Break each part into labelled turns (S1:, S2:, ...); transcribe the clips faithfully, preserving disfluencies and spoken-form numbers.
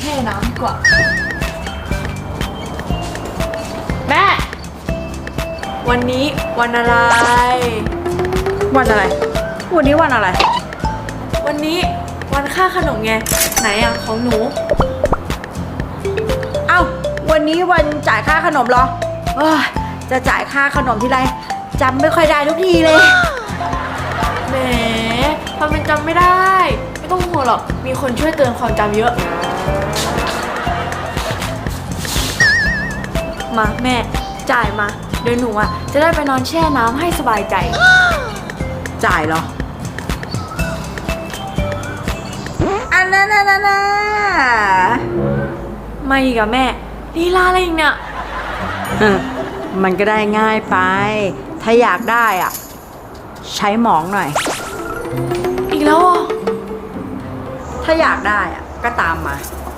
S1: ช่น้ำดีกว่าแม่วันนี้วันอะไร
S2: วันอะไรวันนี้วันอะไร
S1: วันนี้วันค่าขนมไงไหนอ่ะของหนู
S2: เอ้าวันนี้วันจ่ายค่าขนมเหรอเอ้ยจะจ่ายค่าขนมทีไรจำไม่ค่อยได้ทุกทีเลย
S1: แหมทำเป็นจำไม่ได้ไม่ต้องห่วงหรอกมีคนช่วยเตือนความจำเยอะมาแม่จ่ายมาเดี๋ยวหนูอ่ะจะได้ไปนอนแช่น้ำให้สบายใจ
S2: จ่ายเหรออันนั้นน่ะนะ
S1: ไม่อีกอะแม่ลีลาอะไรอีกเนี่ย
S2: มันก็ได้ง่ายไปถ้าอยากได้อ่ะใช้หมองหน่อย
S1: อีกแล้วอ่ะ
S2: ถ้าอยากได้อ่ะก็ตามมา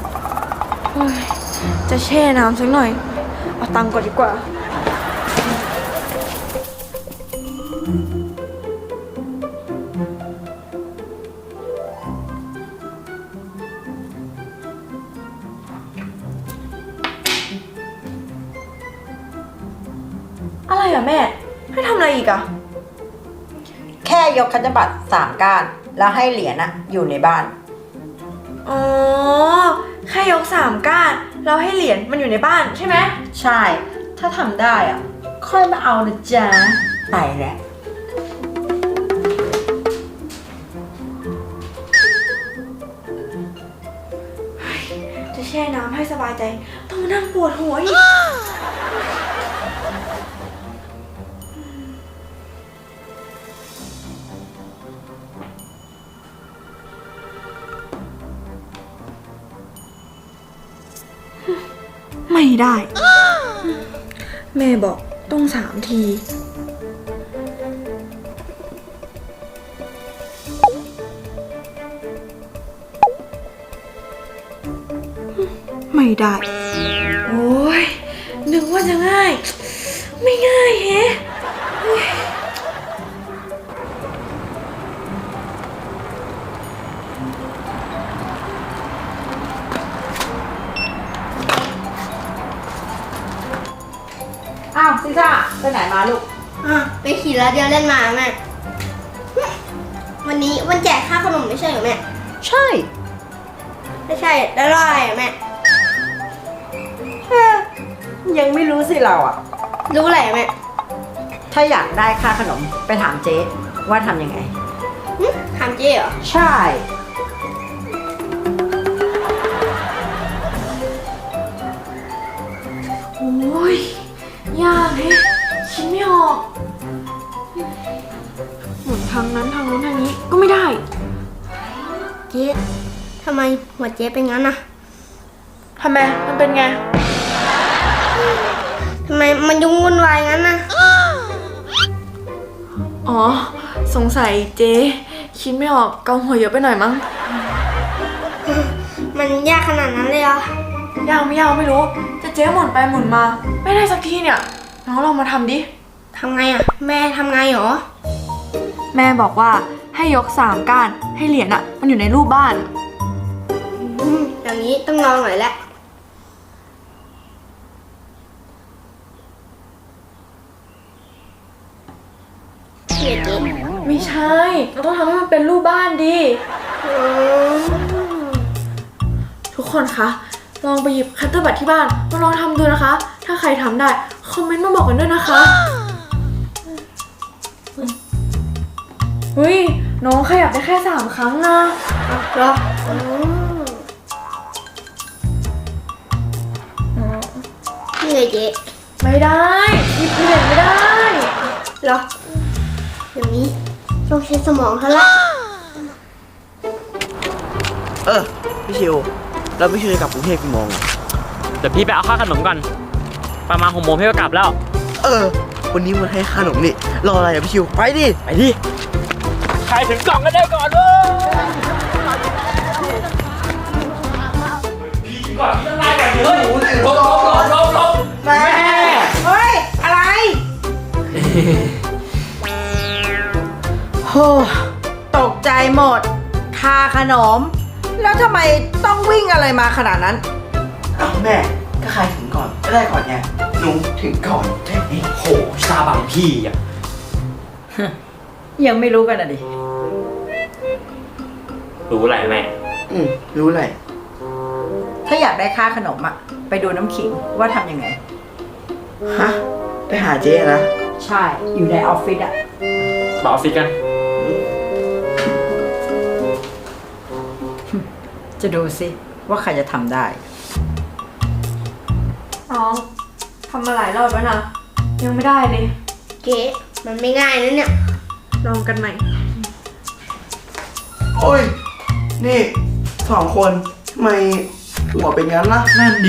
S1: จะแช่น้ำสักหน่อยเอาตังค์ก่อนดีกว่าอะไรอ่ะแม่ให้ทำอะไรอีกอ่ะ
S2: แค่ยกคัตบัตรสามก้านแล้วให้เหรียญนะอยู่ในบ้าน
S1: อ๋อแค่ยกสามก้านแล้วให้เหรียญมันอยู่ในบ้านใช่ไหม
S2: ใช่ถ้าทำได้อ่ะค่อยมาเอานะจ๊ะไปแหละ
S1: จะแช่น้ำให้สบายใจต้องมานั่งปวดหัวอีกไม่ได้แม่บอกต้องสามทีไม่ได้โอ้ยนึกว่าจะง่ายไม่ง่ายแฮะ
S2: อ้าวซิซ่าไปไหนมาลูก
S3: อ่ะไปขี่รถเดียวเล่นมาแม่วันนี้วันแจกค่าขนมไม่ใช่เหรอแม่
S2: ใช่
S3: ไม่ใช่แล้วรออะไรอ่ะแม่
S2: ยังไม่รู้สิเราอ่ะ
S3: รู้อะไรอ่ะแม่
S2: ถ้าอยากได้ค่าขนมไปถามเจ๊ว่าทำยังไง
S3: ถามเจ๊เหรอ
S2: ใช่
S1: โอ้ยยากแฮะคิดไม่ออกหมุนทางนั้นทางนู้นทางนี้ก็ไม่ได้
S3: เจ๊ทำไมหัวเจ๊เป็นงั้นน่ะ
S1: ทำไมมันเป็นไง
S3: ทำไมมันยุ่งวุ่นวายงั้นน่ะ
S1: อ๋อสงสัยเจ๊คิดไม่ออกเกาหัวเยอะไปหน่อยมั้ง
S3: มันยากขนาดนั้นเลยเหร
S1: อยากไม่ยากไม่รู้จะเจ๊หมุนไปหมุนมาไม่ได้สักทีเนี่ยน้องลองมาทำดิ
S3: ทำไงอ่ะแม่ทำไงหรอ
S1: แม่บอกว่าให้ยกสามก้านให้เหรียญอ่ะมันอยู่ในรูปบ้าน
S3: อย่างนี้ต้องลองหน่อยแหละเจ๊
S1: ไม่ใช่เราต้องทำให้มันเป็นรูปบ้านดิทุกคนคะลองไปหยิบคัตเตอร์บัตที่บ้านมาลองทำดูนะคะถ้าใครทำได้คอมเมนต์มาบอกกันด้วยนะคะเฮ้ยน้องขยับได้แค่สามครั้งนะ
S3: เหรอนี่เลยเจ๊
S1: ไม่ได้หยิบเหรียญไม่ได้
S3: เหรออย่างนี้ต้องใช้สมองเท่าไหร่
S4: เออพี่ชิวแล้วพี่ชิวจะกลับกรุงเทพกี่โมง
S5: เดี๋ยวพี่ไปเอาค่าขนมก่อนประมาณหกโมงพี่ก็กลับแล้ว
S4: เออวันนี้มันให้ค่าขนมนี่รออะไรอ่ะพี่ชิวไปดิ
S5: ไปดิใครถึงกล่องก็ได้ก่อนเว้ยพี่ก่อนพี่ต้องไล่ก่อนเฮ้ยลบลบลบลบลบ
S2: แม่เฮ้ยอะไรโหตกใจหมดค่าขนมแล้วทำไมต้องวิ่งอะไรมาขนาดนั้น
S4: เอ้าแม่ก็ใครถึงก่อนก็ได้ก่อนไงหนูถึงก่อนแค่นี้
S5: โหซาบังพี่อ่ะ
S2: ยังไม่รู้กันอ่ะดิ
S5: รู้อะไรแม่
S4: อืมรู้เลย
S2: ถ้าอยากได้ค่าขนมอะไปดูน้ำขิงว่าทำยังไง
S4: ฮะไปหาเจ๊นะ
S2: ใช่ อยู่ในออฟฟิศอะ
S5: ต่อออฟฟิศกัน
S2: จะดูสิว่าใครจะทำได้
S1: น้องทำมาหลายรอบแล้วนะ ยังไม่ได้เลย
S3: เจ๊มันไม่ง่ายนะเนี่ย
S1: ลองกันใหม่
S4: โอ้ยนี่สองคนทำไมหัวเป็นงั้นล่ะ
S5: นั่นดิ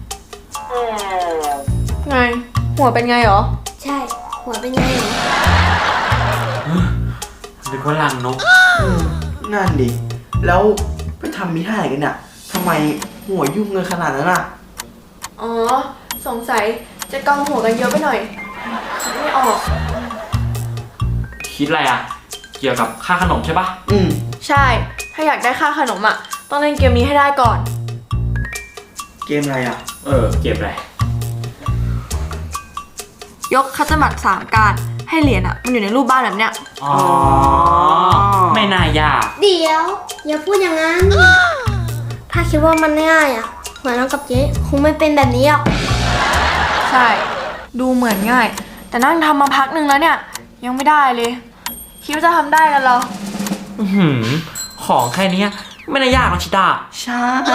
S1: ไง หัวเป็นไงเหรอ
S3: ใช่ หัวเป็นไงเหรอ
S5: หรือว่าลังนก
S4: นั่นดิแล้วไปทำมิท่าไหนกันเนี่ยทำไมหัวยุ่งเงินขนาดนั้นอ่ะ
S1: อ๋อ สงสัยจะกองหัวกันเยอะไปหน่อย คิดไม่ออก
S5: คิดอะไรอ่ะ เกี่ยวกับค่าขนมใช่ปะ
S4: อืม
S1: ใช่ ถ้าอยากได้ค่าขนมอ่ะ ต้องเล่นเกมนี้ให้ได้ก่อน
S4: เกมอะไรอ่ะ
S5: เออ เก็บอะไร
S1: ยกคัตเตอร์บัตรสามการให้เหรียญอ่ะ มันอยู่ในรูปบ้านแบบเนี้ย
S5: อ๋อ ไม่น่ายาก
S3: เดี๋ยว อย่าพูดอย่างนั้น ถ้าคิดว่ามันง่ายอ่ะหัวน้องกับเจ๊คงไม่เป็นแบบนี้หรอก
S1: ใช่ ดูเหมือนง่าย แต่นั่งทำมาพักหนึ่งแล้วเนี่ย ยังไม่ได้เลย คิดว่าจะทำได้กันเหรอ
S5: อือหือ ของแค่เนี้ยไม่น่ายากหรอกชิตา
S4: ใช่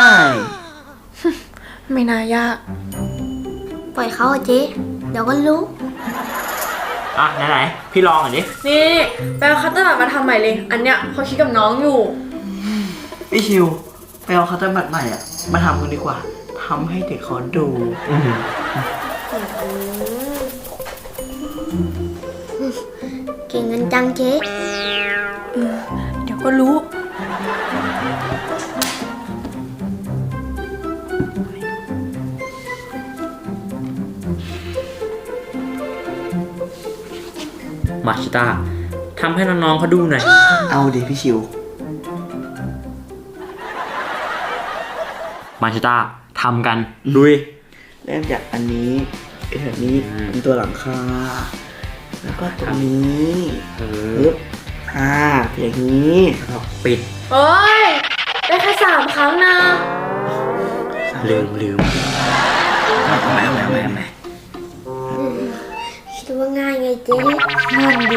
S1: ไม่น่ายาก
S3: ปล่อยเขาอะเจ๊เดี๋ยวก็รู้
S5: อ่ะ ไหนๆ พี่ลองหน่อยดิ
S1: นี่ไปเอาคัตเตอร์บัตรมาทำใหม่เลย อันเนี้ยเขาคิดกับน้องอยู่
S4: พี่ชิวไปเอาคัตเตอร์บัตรใหม่อ่ะมาทำกันดีกว่าทำให้เด็กเขาดู
S5: อือหือ
S3: เก่งกันจังเจ๊
S1: เดี๋ยวก็รู้
S5: มาชิตาทำให้น้องๆเขาดูหน่อย
S4: เอาดิพี่ชิว
S5: มาชิตาทำกันลุย
S4: เริ่มจากอันนี้ไอ้แบบนี้
S5: อืม
S4: เป็นตัวหลังคา แล้วก็ตรงนี้
S5: เออ
S4: ปึ๊บอ่าอย่างนี้
S5: แล้วก็ปิด
S1: เฮ้ย ได้แค่สามครั้งนะ
S5: ลืมลืมเอาใหม่เอาใหม่เอาใหม่เอาใหม่
S3: คิดว่าง่ายไงเจ๊
S1: นั่นดี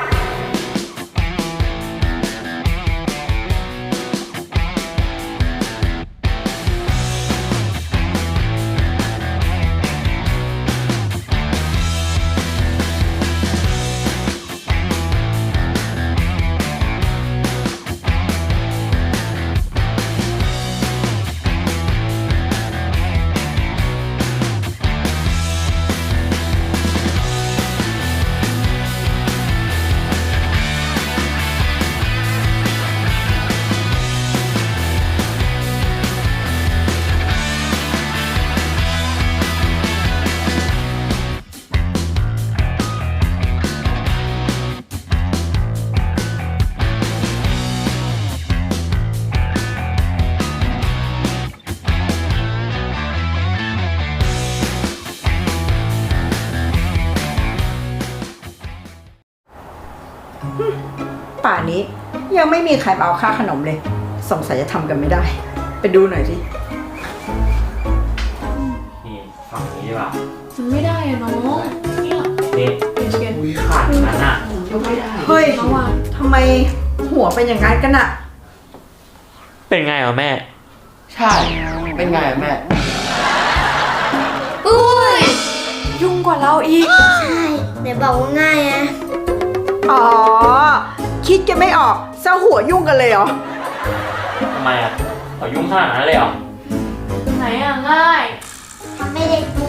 S2: ป่านนี้ยังไม่มีใครมาเอาค่าขนมเลย สงสัยจะทำกันไม่ได้ ไปดูหน่อยสิ
S5: นี่ฝั่งนี้ดีกว่า
S1: มันไม่ได้อะน้อง
S5: นี่
S1: เชียน
S5: อุ้ยขาดนั้นอ่ะ
S4: ก็ไม่ได้
S2: เฮ้ย
S1: ระวัง
S2: ทำไมหัวเป็นอย่างนั้นกันอะ
S5: เป็นไงอ่ะแม่
S4: ใช่ เป็นไงอะแม่
S3: อุ้ย
S1: ยุ่งกว่าเราอีก
S3: ใช่เดี๋ยวบอกว่าง่ายอะ
S2: อ๋อ คิดกันไม่ออกเส้าหัวยุ่งกันเลยเหรอ
S5: ทำไมอ่ะเอายุ่งขนาดนั้นเลยเหรอ
S1: ไหนอะง่าย
S3: ทำไม่ได้ดู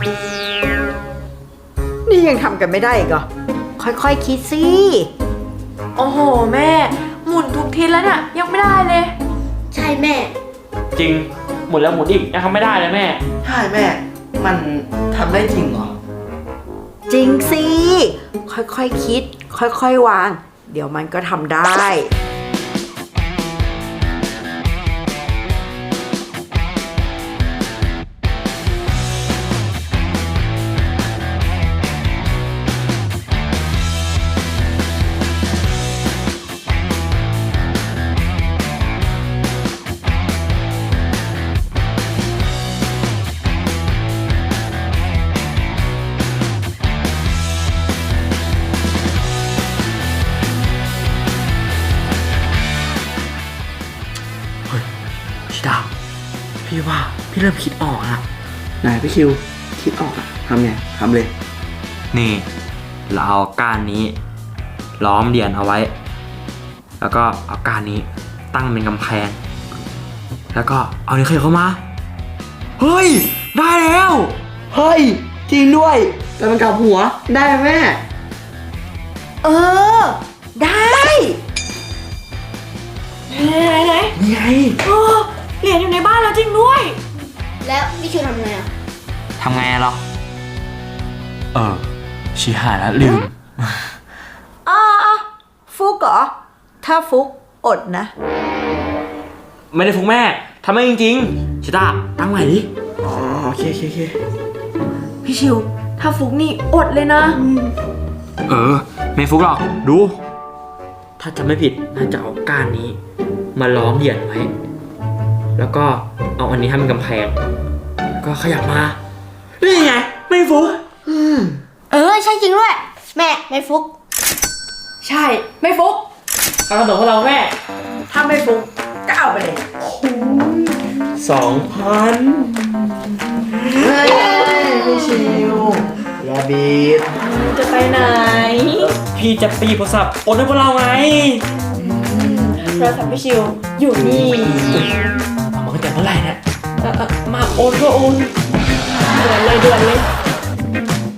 S2: นี่ยังทำกันไม่ได้อีกเหรอ ค่อยๆคคิดสิ
S1: โอ้โหแม่ หมุนทุกทีแล้วเนี่ย ยังไม่ได้เลย
S3: ใช่แม่
S5: จริง หมุนแล้วหมุนอีกยังทำไม่ได้เลยแม่
S4: ใช่แม่ มันทำได้จริงเหรอ
S2: จริงสิ ค่อยๆคคิด ค่อยๆวาง เดี๋ยวมันก็ทำได้
S5: พี่ว่าพี่เริ่มคิดออกละ
S4: ไหนพี่คิว คิดออกอะทำไงทำเลย
S5: นี่ เราเอาก้านนี้ ล้อมเหรียญเอาไว้ แล้วก็เอาก้านนี้ตั้งเป็นกำแพง แล้วก็เอานิ้วเคยเข้ามา เฮ้ย ได้แล้ว
S4: เฮ้ย จริงด้วย แต่มันกลับหัวได้ไหมแม่
S2: เออ ได้
S1: ไหนไหน
S4: นี่ไง
S1: โอ้เหรียญอยู่ในบ้านแล้วจริงด้วย
S3: แล้วพี่คิวทำไงอ่ะ
S5: ทำไงอะเหรอ เออชีหายแล้วลืม
S2: อ๋อฟุกเหรอ ถ้าฟุกอดนะ
S5: ไม่ได้ฟุกแม่ทำไม่จริงๆชิต้าตั้งใหม่ดิ
S4: อ๋อโอเคโอเคโอเค
S1: พี่ชิว ถ้าฟุกนี่อดเลยนะ
S5: เออ ไม่ฟุกหรอก ดู ถ้าจำไม่ผิดน่าจะเอาก้านนี้ มาล้อมเหรียญไว้ แล้วก็เอาอันนี้ทำเป็นกำแพง ก็ขยับมา นี่ไง ไม่ฟุก
S3: เออใช่จริงด้วย แม่ไม่ฟุก
S1: ใช่ ไม่ฟุก
S5: เอาขนมของเราแม่
S2: ถ้าไม่ฟุกก็เอาไปเลย
S5: สองพัน
S4: เฮ้ยพี่ชิวอย่าบีบ
S1: จะไปไหน
S5: พี่จะไปหยิบโทรศัพท์โอนให้พวกเราไง
S1: โทรศัพท์พี่ชิว อยู่นี่
S5: เอามาตั้งแต่เมื่อไหร่เนี่ย
S1: เออเออมาโอนก็โอนด่วนเลยด่วนเลย